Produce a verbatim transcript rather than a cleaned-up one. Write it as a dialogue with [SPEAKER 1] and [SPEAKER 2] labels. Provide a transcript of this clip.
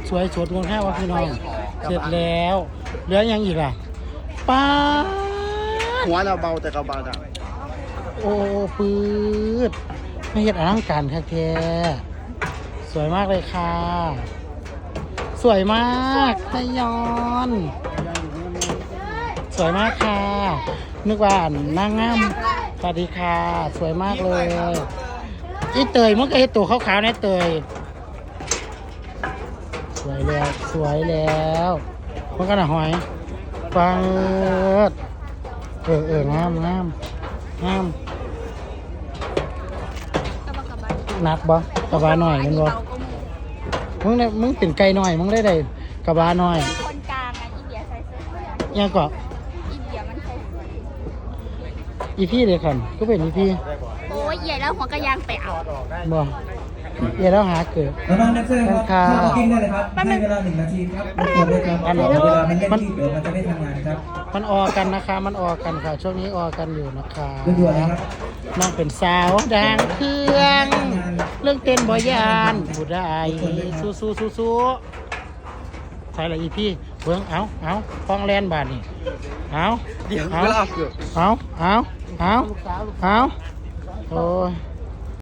[SPEAKER 1] สวยสดงดงามวะพี่น้องเสร็จแล้วเหลือยังอีกล่ะป้า
[SPEAKER 2] หัวเราเบาแต่กระบาดอ่ะ
[SPEAKER 1] โอ้ปืดไม่เห็นอลังการแท้ๆสวยมากเลยค่ะสวยมากไทยอนสวยมากค่ะนึกว่านั่งงามสวัสดีค่ะสวยมากเลยอีเตยมันก็เห็นตัวขาวๆนะเตยสวยแล้วสวยแล้วมันก็น่ะหอยฟังเออเอองามงามงามหนักบ่กระบะหน่อยมันบ่มึงเนี่ยมึงเป็นไก่หน่อยมึงได้ได้กระบะหน่อย
[SPEAKER 3] คนกลางอ่ะอีเบียใส่เสื้อ
[SPEAKER 1] ยังก็
[SPEAKER 3] อีเบียมันใส่เสื้อ
[SPEAKER 1] อีพี่เลยคันก็เป็นอีพี่
[SPEAKER 3] โอ้ยใหญ่แล้วหัวกระยางไปเอา
[SPEAKER 1] บ่เดี๋ยวเราหาเกิด
[SPEAKER 4] น้องๆนักเซอร์ครับเข้ากิ้งได้เลยครับให้เวลาหนึ่งนาทีครับทุกคนเลยครับเวลามันเล่นที่เดี๋ยวมันจะไม่ทำงานครับ
[SPEAKER 1] มันออกันนะคะมันออกันค่ะช่วงนี้ออกันอยู่นะคะ
[SPEAKER 4] ด่วนๆนะครับ
[SPEAKER 1] น้องเป็นสาวดังเครื่องเรื่องเต้นบอยานบุได้สู้สู้สู้สู้ใช่ละอีพี่เบิ้งเอาเอาฟองแลนบาทนี่เอา
[SPEAKER 2] เดี๋ยว
[SPEAKER 1] เอา
[SPEAKER 2] เวลาเกือบ
[SPEAKER 1] เอาเอาเอาเอาโอ้ย